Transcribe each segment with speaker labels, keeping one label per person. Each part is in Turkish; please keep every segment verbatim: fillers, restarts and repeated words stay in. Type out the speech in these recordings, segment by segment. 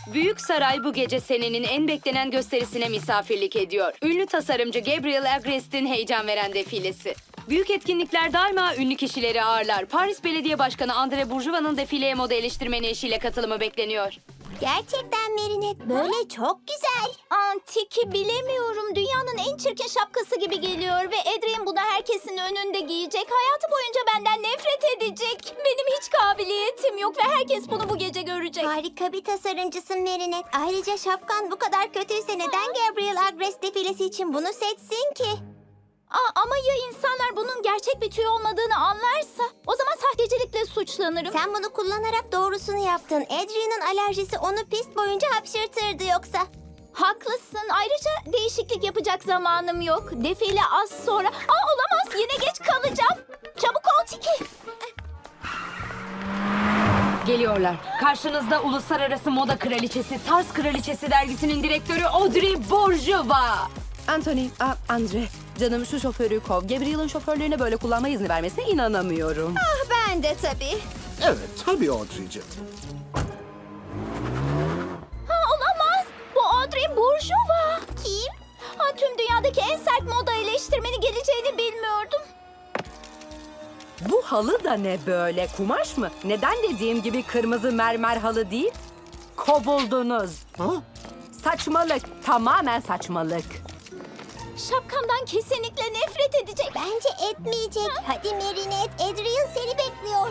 Speaker 1: Büyük Saray bu gece senenin en beklenen gösterisine misafirlik ediyor. Ünlü tasarımcı Gabriel Agrest'in heyecan veren defilesi. Büyük etkinlikler daima ünlü kişileri ağırlar. Paris Belediye Başkanı Andre Bourjuva'nın defileye moda eleştirmeni eşiyle katılımı bekleniyor.
Speaker 2: Gerçekten Merinet böyle çok güzel.
Speaker 3: Antiki bilemiyorum. Dünyanın en çirkin şapkası gibi geliyor ve Adrien bunu herkesin önünde giyecek. Hayatı boyunca benden nefret edecek. Benim hiç kabiliyetim yok ve herkes bunu bu gece görecek.
Speaker 2: Harika bir tasarımcısın Merinet. Ayrıca şapkan bu kadar kötüyse neden Gabriel Agrest defilesi için bunu seçsin ki?
Speaker 3: Aa, ama ya insanlar bunun gerçek bir tüy olmadığını anlarsa? O zaman sahtecilikle suçlanırım.
Speaker 2: Sen bunu kullanarak doğrusunu yaptın. Adrian'ın alerjisi onu pist boyunca hapşırtırdı yoksa.
Speaker 3: Haklısın. Ayrıca değişiklik yapacak zamanım yok. Defile az sonra... Aa, olamaz. Yine geç kalacağım. Çabuk ol Tiki.
Speaker 1: Geliyorlar. Karşınızda Uluslararası Moda Kraliçesi, Tarz Kraliçesi dergisinin direktörü Audrey Bourjuva.
Speaker 4: Anthony, a, Andre, canım şu şoförü kov. Gabriel'ın şoförlerine böyle kullanma izni vermesine inanamıyorum.
Speaker 2: Ah ben de tabii.
Speaker 5: Evet, tabii Audrey'ciğim.
Speaker 3: Ha, olamaz. Bu Audrey Bourjuva.
Speaker 2: Kim?
Speaker 3: Ha, tüm dünyadaki en sert moda eleştirmeni geleceğini bilmiyordum.
Speaker 4: Bu halı da ne böyle? Kumaş mı? Neden dediğim gibi kırmızı mermer halı değil? Kovuldunuz.
Speaker 5: Ha?
Speaker 4: Saçmalık, tamamen saçmalık.
Speaker 3: Şapkamdan kesinlikle nefret edecek.
Speaker 2: Bence etmeyecek. Hadi Merinet, Adrian seni bekliyor.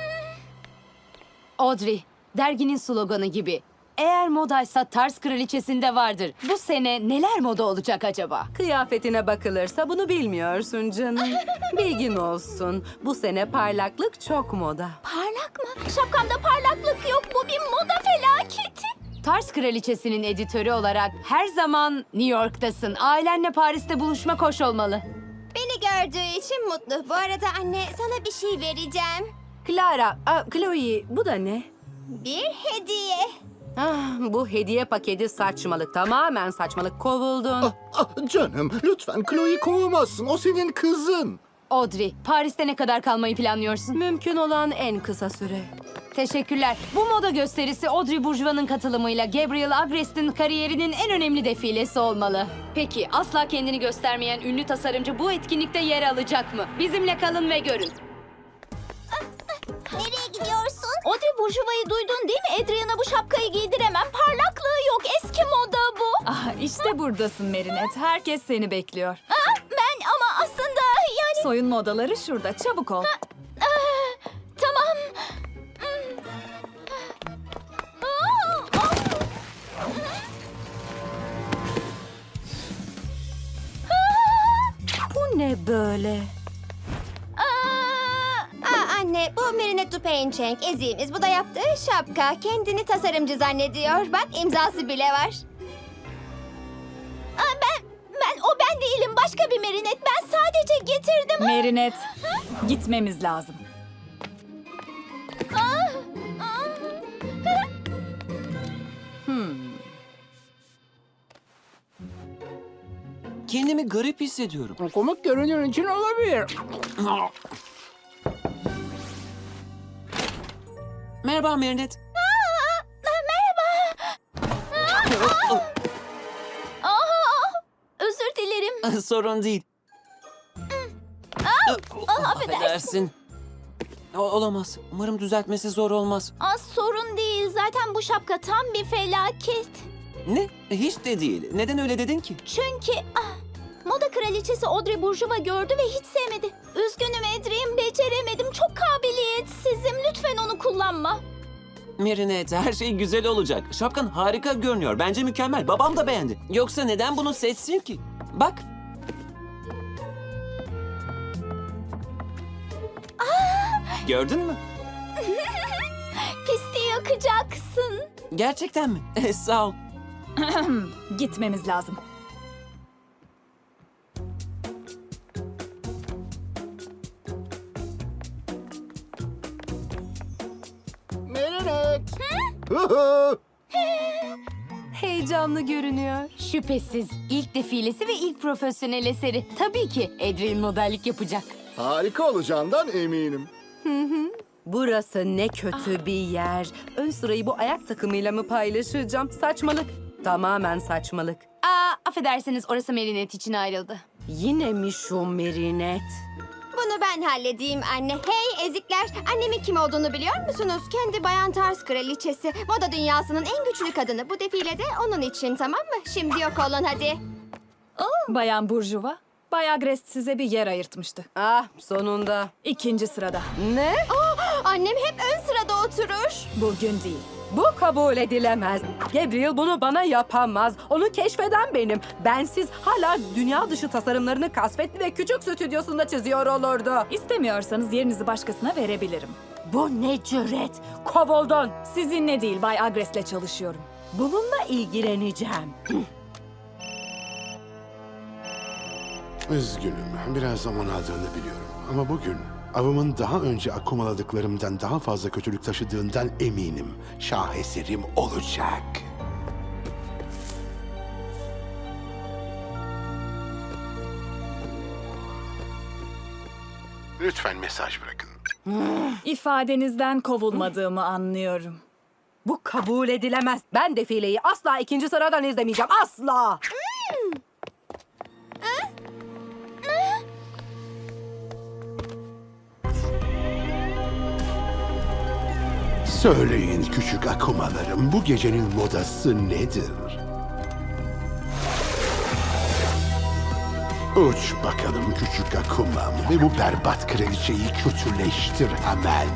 Speaker 1: Audrey, derginin sloganı gibi. Eğer modaysa Tarz Kraliçesi'nde vardır. Bu sene neler moda olacak acaba?
Speaker 4: Kıyafetine bakılırsa bunu bilmiyorsun canım. Bilgin olsun. Bu sene parlaklık çok moda.
Speaker 3: Parlak mı? Şapkamda parlaklık yok. Bu bir moda felaketi.
Speaker 1: Tarz Kraliçesi'nin editörü olarak her zaman New York'tasın. Ailenle Paris'te buluşmak hoş olmalı.
Speaker 2: Beni gördüğü için mutlu. Bu arada anne sana bir şey vereceğim.
Speaker 4: Clara, a, Chloe bu da ne?
Speaker 2: Bir hediye.
Speaker 4: Ah, bu hediye paketi saçmalık, tamamen saçmalık. Kovuldun.
Speaker 5: Ah, ah, canım, lütfen Chloe'yi kovamazsın. O senin kızın.
Speaker 1: Audrey, Paris'te ne kadar kalmayı planlıyorsun?
Speaker 4: Mümkün olan en kısa süre.
Speaker 1: Teşekkürler. Bu moda gösterisi Audrey Bourjuva'nın katılımıyla Gabriel Agrest'in kariyerinin en önemli defilesi olmalı. Peki asla kendini göstermeyen ünlü tasarımcı bu etkinlikte yer alacak mı? Bizimle kalın ve görün.
Speaker 2: Nereye gidiyorsun?
Speaker 3: Audrey Bourjuva'yı duydun değil mi? Adrian'a bu şapkayı giydiremem. Parlaklığı yok. Eski moda bu.
Speaker 6: Ah, işte buradasın Merinet. Herkes seni bekliyor.
Speaker 3: Aa, ben ama aslında yani...
Speaker 6: Soyunma odaları şurada. Çabuk ol.
Speaker 3: Aa, tamam. Hmm. Aa, aa.
Speaker 4: Bu ne böyle?
Speaker 3: Aa,
Speaker 2: Aa anne, bu Merinet Dupaincheng eziğimiz. Bu da yaptığı şapka. Kendini tasarımcı zannediyor. Bak imzası bile var.
Speaker 3: aa, ben, ben o ben değilim. Başka bir Merinet. Ben sadece getirdim.
Speaker 6: Merinet, gitmemiz lazım.
Speaker 3: Aa, aa.
Speaker 7: Kendimi garip hissediyorum.
Speaker 8: Komik görünür için olabilir.
Speaker 7: Merhaba Merinet.
Speaker 3: Aa, özür dilerim.
Speaker 7: Sorun değil.
Speaker 3: Aa, affedersin.
Speaker 7: Affedersin. O- olamaz. Umarım düzeltmesi zor olmaz.
Speaker 3: Aa, sorun değil. Zaten bu şapka tam bir felaket.
Speaker 7: Ne? Hiç de değil. Neden öyle dedin ki?
Speaker 3: Çünkü ah, moda kraliçesi Audrey Bourjuva gördü ve hiç sevmedi. Üzgünüm Adrien, beceremedim. Çok kabiliyetsizim. Lütfen onu kullanma.
Speaker 7: Merinet, her şey güzel olacak. Şapkan harika görünüyor. Bence mükemmel. Babam da beğendi. Yoksa neden bunu seçsin ki? Bak. Gördün mü?
Speaker 3: Pisti yakacaksın.
Speaker 7: Gerçekten mi? Sağ ol.
Speaker 6: Gitmemiz lazım.
Speaker 5: Merinet. Hı hı.
Speaker 4: Heyecanlı görünüyor.
Speaker 1: Şüphesiz ilk defilesi ve ilk profesyonel eseri. Tabii ki Adrien modellik yapacak.
Speaker 5: Harika olacağından eminim.
Speaker 4: Burası ne kötü bir yer. Ön sırayı bu ayak takımıyla mı paylaşacağım? Saçmalık. Tamamen saçmalık.
Speaker 1: Aa, affedersiniz orası Merinet için ayrıldı.
Speaker 4: Yine mi şu Merinet?
Speaker 2: Bunu ben halledeyim anne. Hey ezikler, annemin kim olduğunu biliyor musunuz? Kendi Bayan Tars kraliçesi. Moda dünyasının en güçlü kadını. Bu defile de onun için, tamam mı? Şimdi yok olun hadi.
Speaker 6: Bayan Burjuva, Bay Agrest size bir yer ayırtmıştı.
Speaker 4: Ah, sonunda.
Speaker 6: İkinci sırada.
Speaker 4: Ne?
Speaker 2: Annem hep ön sırada oturur.
Speaker 6: Bugün değil.
Speaker 4: Bu kabul edilemez. Gabriel bunu bana yapamaz. Onu keşfeden benim. Bensiz hala dünya dışı tasarımlarını kasvetli ve küçük stüdyosunda çiziyor olurdu.
Speaker 6: İstemiyorsanız yerinizi başkasına verebilirim.
Speaker 4: Bu ne cüret? Kovuldun.
Speaker 6: Sizinle değil, Bay Agrest'le çalışıyorum.
Speaker 4: Bununla ilgileneceğim.
Speaker 9: Üzgünüm. Biraz zaman aldığını biliyorum. Ama bugün avımın daha önce akumaladıklarımdan daha fazla kötülük taşıdığından eminim. Şaheserim olacak. Lütfen mesaj bırakın.
Speaker 6: İfadenizden kovulmadığımı anlıyorum.
Speaker 4: Bu kabul edilemez. Ben defileyi asla ikinci sıradan izlemeyeceğim. Asla.
Speaker 9: Söyleyin küçük akumalarım, bu gecenin modası nedir? Uç bakalım küçük akumam ve bu berbat kraliçeyi kötüleştir hemen.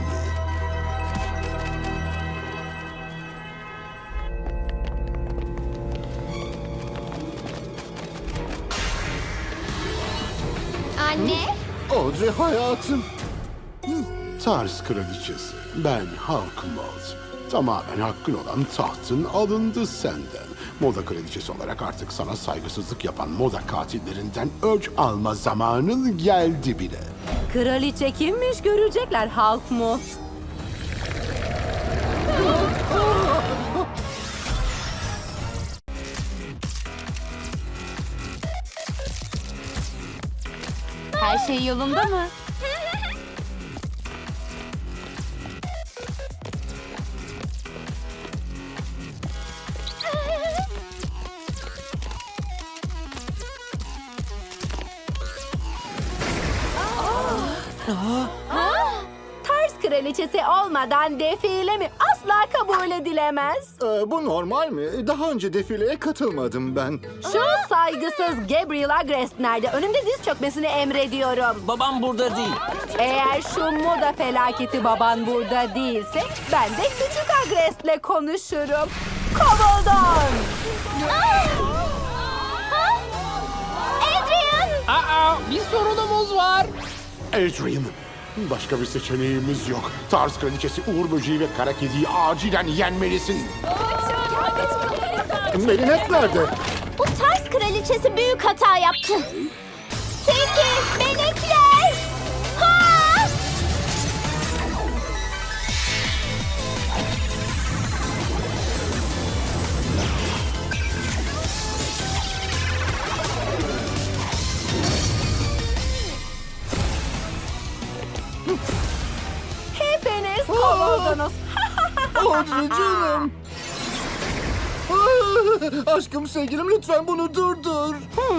Speaker 2: Anne?
Speaker 5: Audrey hayatım.
Speaker 9: Tars kraliçesi, ben Hawkmold. Tamamen hakkın olan tahtın alındı senden. Moda kraliçesi olarak artık sana saygısızlık yapan moda katillerinden öç alma zamanın geldi bile.
Speaker 4: Kraliçe kimmiş görecekler, halk mu?
Speaker 1: Her şey yolunda mı?
Speaker 4: Tars kraliçesi olmadan defile mi? Asla kabul edilemez.
Speaker 5: Ee, bu normal mi? Daha önce defileye katılmadım ben.
Speaker 4: Şu saygısız Gabriel Agrest nerede? Önümde diz çökmesini emrediyorum.
Speaker 7: Babam burada değil.
Speaker 4: Eğer şu moda felaketi baban burada değilse ben de küçük Agrest'le konuşurum. Kovuldun.
Speaker 3: Adrian!
Speaker 8: Aa, bir sorunumuz var.
Speaker 9: Adrian, başka bir seçeneğimiz yok. Tars kraliçesi Uğur Böceği ve Kara Kedi'yi acilen yenmelisin.
Speaker 5: Merinet nerede?
Speaker 3: Bu Tars kraliçesi büyük hata yaptı. Peki, melekler! Ha!
Speaker 4: Hepiniz kovuldunuz.
Speaker 5: Audrey canım. Ah, aşkım sevgilim lütfen bunu durdur.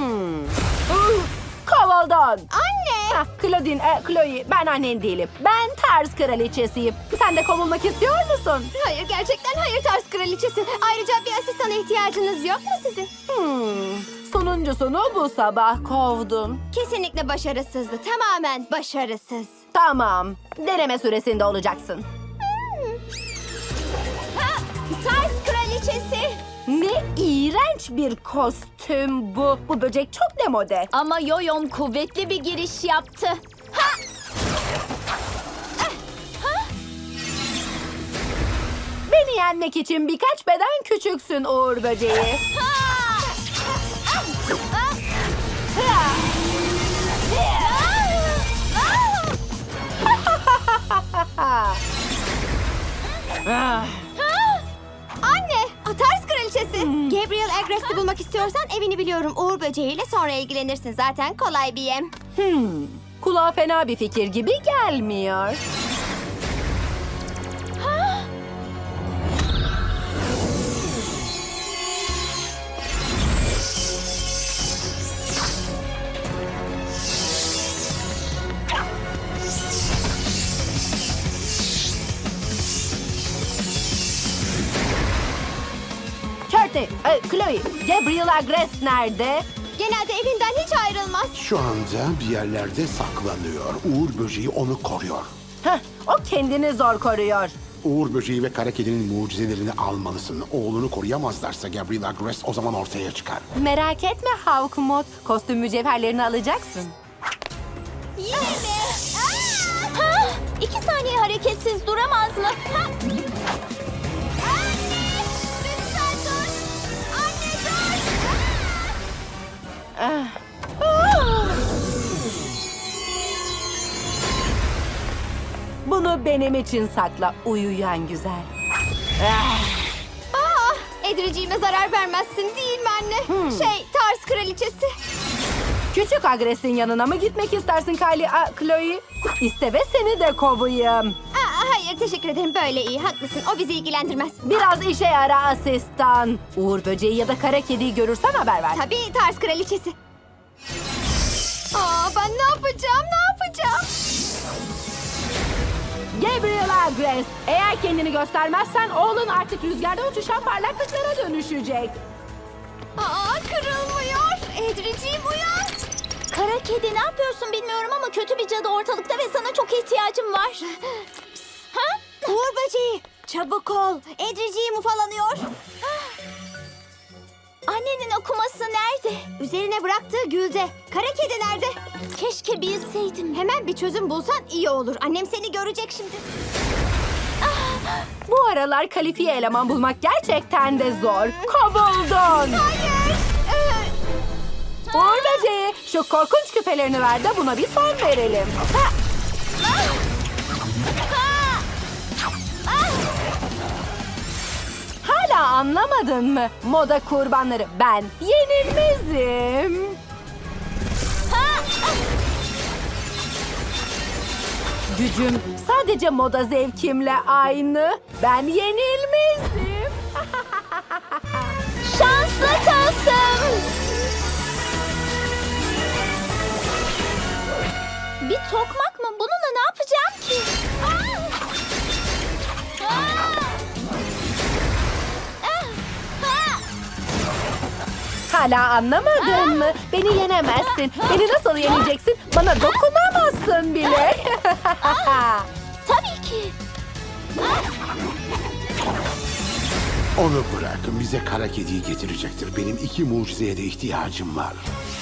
Speaker 4: Kovuldun.
Speaker 2: Anne!
Speaker 4: Hah, Claudine, e, Chloe, ben annen değilim. Ben Tars kraliçesiyim. Sen de kovulmak istiyor musun?
Speaker 2: Hayır, gerçekten hayır Tars kraliçesi. Ayrıca bir asistana ihtiyacınız yok mu sizin?
Speaker 4: Hmm. Sonuncusunu bu sabah kovdum.
Speaker 2: Kesinlikle başarısızdı. Tamamen başarısız.
Speaker 4: Tamam. Deneme süresinde olacaksın.
Speaker 2: Ha! Tars kraliçesi!
Speaker 4: Ne iğrenç bir kostüm bu. Bu böcek çok demode.
Speaker 3: Ama Yoyom kuvvetli bir giriş yaptı.
Speaker 4: Beni yenmek için birkaç beden küçüksün Uğur Böceği.
Speaker 2: Anne! Tars kraliçesi! Gabriel Agrest'i bulmak istiyorsan evini biliyorum. Uğur böceğiyle sonra ilgilenirsin. Zaten kolay bir yem.
Speaker 4: Hmm. Kulağa fena bir fikir gibi gelmiyor. Necati, e, Chloe, Gabriel Agrest nerede?
Speaker 2: Genelde evinden hiç ayrılmaz.
Speaker 9: Şu anda bir yerlerde saklanıyor. Uğur böceği onu koruyor.
Speaker 4: Heh, o kendini zor koruyor.
Speaker 9: Uğur böceği ve kara kedinin mucizelerini almalısın. Oğlunu koruyamazlarsa Gabriel Agrest o zaman ortaya çıkar.
Speaker 4: Merak etme Hawkmoth, kostüm mücevherlerini alacaksın.
Speaker 3: Yine mi? Aa! Ha? İki saniye hareketsiz duramaz mı? Ha? Anne! Lütfen dur! Anne dur!
Speaker 4: Bunu benim için sakla, uyuyan güzel.
Speaker 2: Aa, Edriciğime zarar vermezsin değil mi anne? Şey, Tars kraliçesi.
Speaker 4: Küçük Agrest'in yanına mı gitmek istersin Kylie, a, Chloe? İste ve seni de kovayım.
Speaker 2: Aa, hayır, teşekkür ederim. Böyle iyi, haklısın. O bizi ilgilendirmez.
Speaker 4: Biraz işe yara asistan. Uğur böceği ya da kara kediyi görürsen haber ver.
Speaker 2: Tabii Tars kraliçesi. Aa, ben ne yapacağım, ne yapacağım?
Speaker 4: Gabriel Agrest, eğer kendini göstermezsen oğlun artık rüzgarda uçuşan parlaklıklara dönüşecek.
Speaker 2: Aa, kırılmıyor. Edriciğim uyan.
Speaker 3: Kara kedi ne yapıyorsun bilmiyorum ama kötü bir cadı ortalıkta ve sana çok ihtiyacım var. Ha?
Speaker 2: Uğur böceği, çabuk ol. Edriciğim ufalanıyor.
Speaker 3: Annenin okuması nerede?
Speaker 2: Üzerine bıraktığı gülde. Kara kedi nerede?
Speaker 3: Keşke bilseydim.
Speaker 2: Hemen bir çözüm bulsan iyi olur. Annem seni görecek şimdi.
Speaker 4: Bu aralar kalifiye eleman bulmak gerçekten de zor. Kovuldun.
Speaker 2: Hayır. Ee,
Speaker 4: Uğur böceği, şu korkunç küpelerini ver de buna bir son verelim. Ha! Hala anlamadın mı? Moda kurbanları ben yenilmezim. Gücüm sadece moda zevkimle aynı. Ben yenilmezim.
Speaker 3: Şanslı kalsın. Bir tokmak mı? Bununla ne yapacağım ki? Aa! Aa! Ah! Ha!
Speaker 4: Hala anlamadın mı? Beni yenemezsin. Beni nasıl yeneceksin? Bana dokunamazsın bile.
Speaker 3: Tabii ki.
Speaker 9: Onu bırakın, bize kara kediyi getirecektir. Benim iki mucizeye de ihtiyacım var.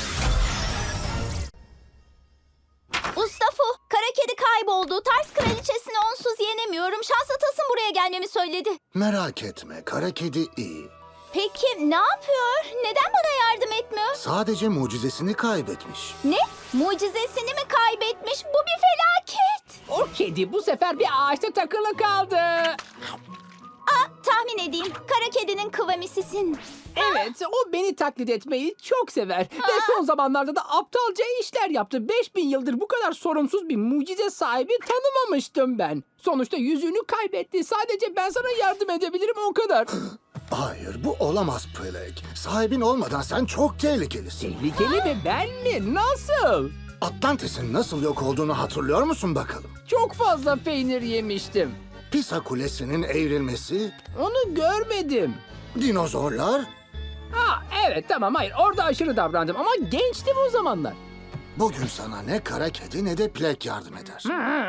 Speaker 3: Ustafu, kara kedi kayboldu. Tars kraliçesini onsuz yenemiyorum. Şans atasın buraya gelmemi söyledi.
Speaker 5: Merak etme, kara kedi iyi.
Speaker 3: Peki ne yapıyor? Neden bana yardım etmiyor?
Speaker 5: Sadece mucizesini kaybetmiş.
Speaker 3: Ne? Mucizesini mi kaybetmiş? Bu bir felaket.
Speaker 8: O kedi bu sefer bir ağaçta takılı kaldı.
Speaker 3: Aa, tahmin edeyim. Kara kedinin kıvamisisin.
Speaker 8: Evet, o beni taklit etmeyi çok sever. Ve son zamanlarda da aptalca işler yaptı. Beş bin yıldır bu kadar sorumsuz bir mucize sahibi tanımamıştım ben. Sonuçta yüzüğünü kaybetti. Sadece ben sana yardım edebilirim, o kadar.
Speaker 5: Hayır, bu olamaz Plague. Sahibin olmadan sen çok tehlikelisin.
Speaker 8: Tehlikeli mi, ben mi? Nasıl?
Speaker 5: Atlantis'in nasıl yok olduğunu hatırlıyor musun bakalım?
Speaker 8: Çok fazla peynir yemiştim.
Speaker 5: Pisa Kulesi'nin evrilmesi,
Speaker 8: Onu görmedim.
Speaker 5: dinozorlar.
Speaker 8: Ha evet, tamam, hayır, orada aşırı davrandım ama gençtim o zamanlar.
Speaker 5: Bugün sana ne kara kedi ne de Plague yardım eder.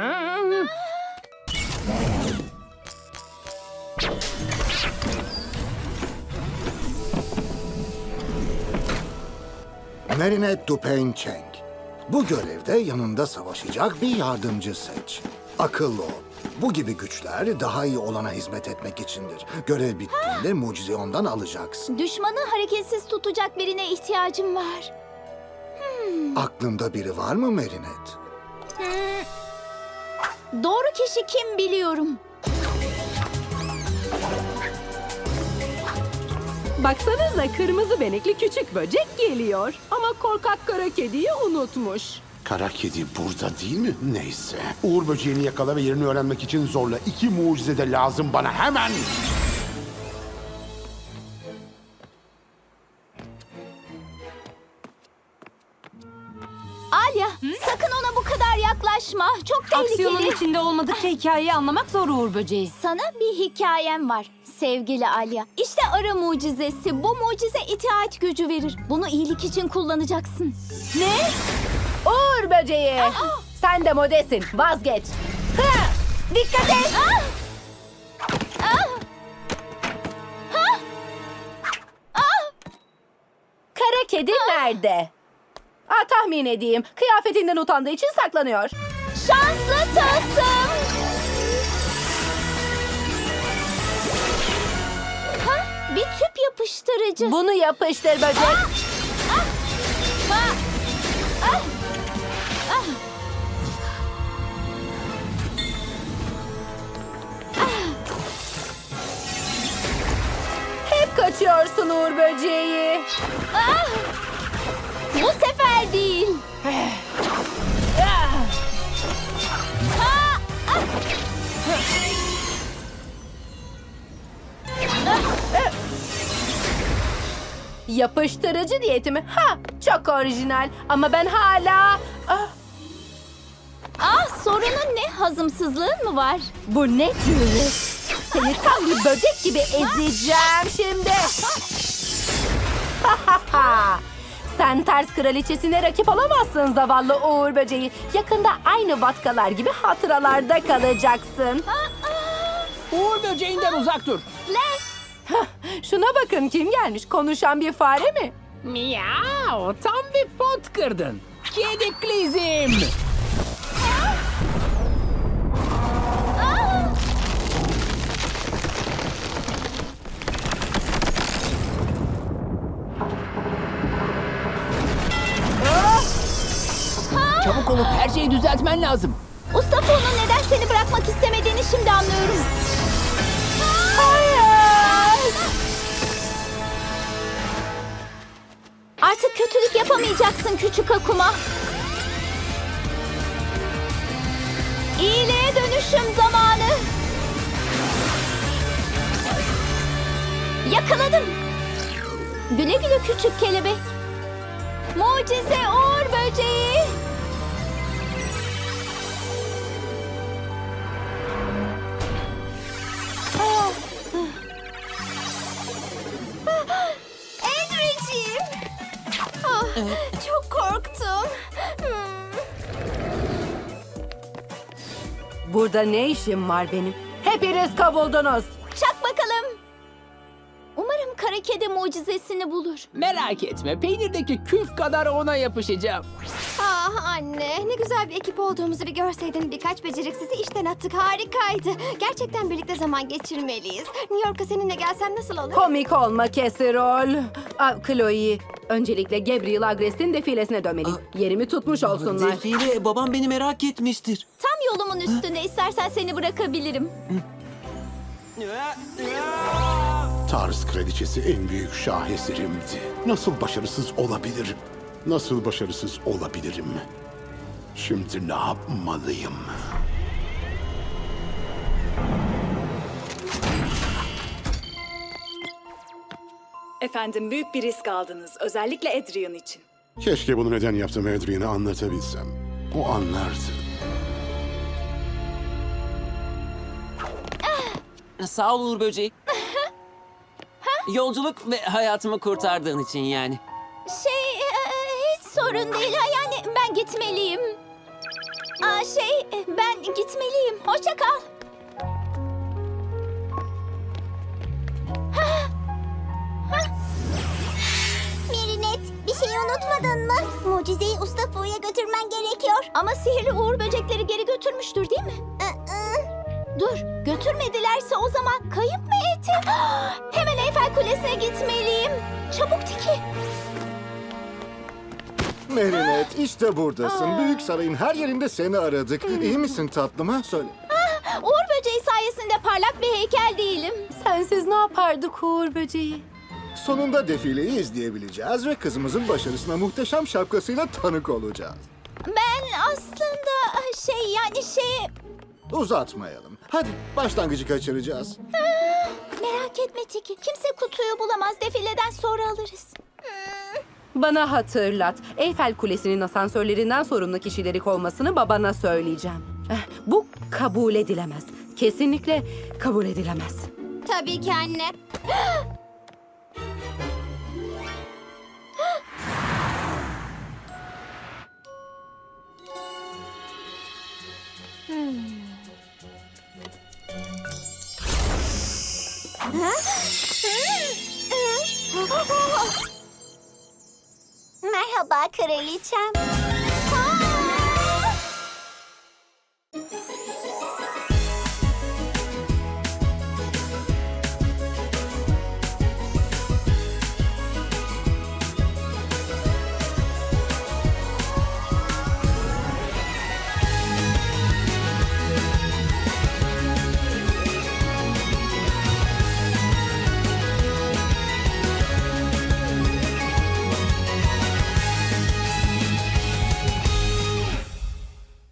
Speaker 5: Marinette Dupain Cheng. Bu görevde yanında savaşacak bir yardımcı seç. Akıllı ol. Bu gibi güçler daha iyi olana hizmet etmek içindir. Görev bittiğinde mucizeyi ondan alacaksın.
Speaker 3: Düşmanı hareketsiz tutacak birine ihtiyacım var.
Speaker 5: Aklında biri var mı Marinette?
Speaker 3: Doğru kişi kim biliyorum.
Speaker 4: Baksanıza, kırmızı benekli küçük böcek geliyor. Ama korkak kara kediyi unutmuş.
Speaker 9: Kara kedi burada değil mi? Neyse. Uğur böceğini yakala ve yerini öğrenmek için zorla. İki mucize de lazım bana hemen.
Speaker 3: Alya, sakın ona bu kadar yaklaşma. Çok tehlikeli.
Speaker 1: Aksiyonun içinde olmadıkça hikayeyi anlamak zor Uğur böceği.
Speaker 3: Sana bir hikayem var. sevgili Alya. İşte arı mucizesi. Bu mucize itaat gücü verir. Bunu iyilik için kullanacaksın. Ne?
Speaker 4: Uğur böceği. Sen de modesin. Vazgeç. Ha! Dikkat et. Kara kedi nerede? Aa, tahmin edeyim. Kıyafetinden utandığı için saklanıyor.
Speaker 3: Şanslı tasım. Ha, bir tüp yapıştırıcı.
Speaker 4: Bunu yapıştır böcek.
Speaker 3: Ha, ah, ah.
Speaker 4: Hep kaçıyorsun Uğur böceği.
Speaker 3: Ah! Bu sefer değil. Ah! Ah!
Speaker 4: Yapıştırıcı diyeti mi? Ha, çok orijinal. Ama ben hala... Ah,
Speaker 3: Ah, sorunun ne? Hazımsızlığın mı var?
Speaker 4: bu ne cüret? Seni tam bir böcek gibi ezeceğim şimdi. Sen ters kraliçesine rakip olamazsın zavallı Uğur böceği. Yakında aynı vatkalar gibi hatıralarda kalacaksın.
Speaker 8: Uğur böceğinden uzak dur.
Speaker 3: Les!
Speaker 4: Şuna bakın, kim gelmiş? Konuşan bir fare mi?
Speaker 8: Miau, tam bir pot kırdın. Kediklizm. Çabuk olup her şeyi düzeltmen lazım.
Speaker 3: Ustafo'nun neden seni bırakmak istemediğini şimdi anlıyorum. Artık kötülük yapamayacaksın küçük Akuma. İyiliğe dönüşüm zamanı. Yakaladım. Güle güle küçük kelebek. Mucize Uğur böceği.
Speaker 2: Edriciğim. Ah, çok korktum. Hmm.
Speaker 4: Burada ne işim var benim? Hepiniz kovuldunuz.
Speaker 3: Çak bakalım. Umarım kara kedi mucizesini bulur.
Speaker 8: Merak etme, peynirdeki küf kadar ona yapışacağım.
Speaker 2: Ah anne, ne güzel bir ekip olduğumuzu bir görseydin. Birkaç beceriksizi işten attık, harikaydı. Gerçekten birlikte zaman geçirmeliyiz. New York'a seninle gelsem nasıl olur?
Speaker 4: Komik olma Kesirol. Aa, Chloe, öncelikle Gabriel Agrest'in defilesine dönmeliyim. Yerimi tutmuş olsunlar.
Speaker 7: Defile, babam beni merak etmiştir.
Speaker 3: Tam yolumun üstünde, istersen seni bırakabilirim.
Speaker 9: Tars kraliçesi en büyük şaheserimdi. Nasıl başarısız olabilirim? Nasıl başarısız olabilirim? Şimdi ne yapmalıyım?
Speaker 6: Efendim, büyük bir risk aldınız. Özellikle Adrian için.
Speaker 9: Keşke bunu neden yaptığımı Adrian'a anlatabilsem. O anlardı.
Speaker 7: Sağ ol Uğur böceği. Yolculuk ve hayatımı kurtardığın için yani.
Speaker 3: Şey, e, hiç sorun değil. Ha, yani ben gitmeliyim. Aa, şey, e, ben gitmeliyim. Hoşça kal.
Speaker 10: Merinet, bir şey unutmadın mı? Mucizeyi Ustafo'ya götürmen gerekiyor.
Speaker 3: Ama sihirli uğur böcekleri geri götürmüştür değil mi?
Speaker 10: Aa,
Speaker 3: Dur, götürmedilerse o zaman kayıp mı etti? Hemen Eyfel Kulesi'ne gitmeliyim. Çabuk Tiki.
Speaker 5: Merinet, işte buradasın. Büyük sarayın her yerinde seni aradık. İyi misin tatlım ha? Söyle.
Speaker 3: Uğur böceği sayesinde parlak bir heykel değilim.
Speaker 4: Sensiz ne yapardık Uğur böceği?
Speaker 5: Sonunda defileyi izleyebileceğiz ve kızımızın başarısına muhteşem şapkasıyla tanık olacağız.
Speaker 3: Ben aslında şey yani şey...
Speaker 5: Uzatmayalım. Hadi başlangıcı kaçıracağız.
Speaker 3: Merak etme Tiki. Kimse kutuyu bulamaz. Defileden sonra alırız.
Speaker 4: Bana hatırlat. Eyfel Kulesi'nin asansörlerinden sorumlu kişileri kovmasını babana söyleyeceğim. Eh, Bu kabul edilemez. Kesinlikle kabul edilemez.
Speaker 2: Tabii ki anne.
Speaker 10: Merhaba kraliçem.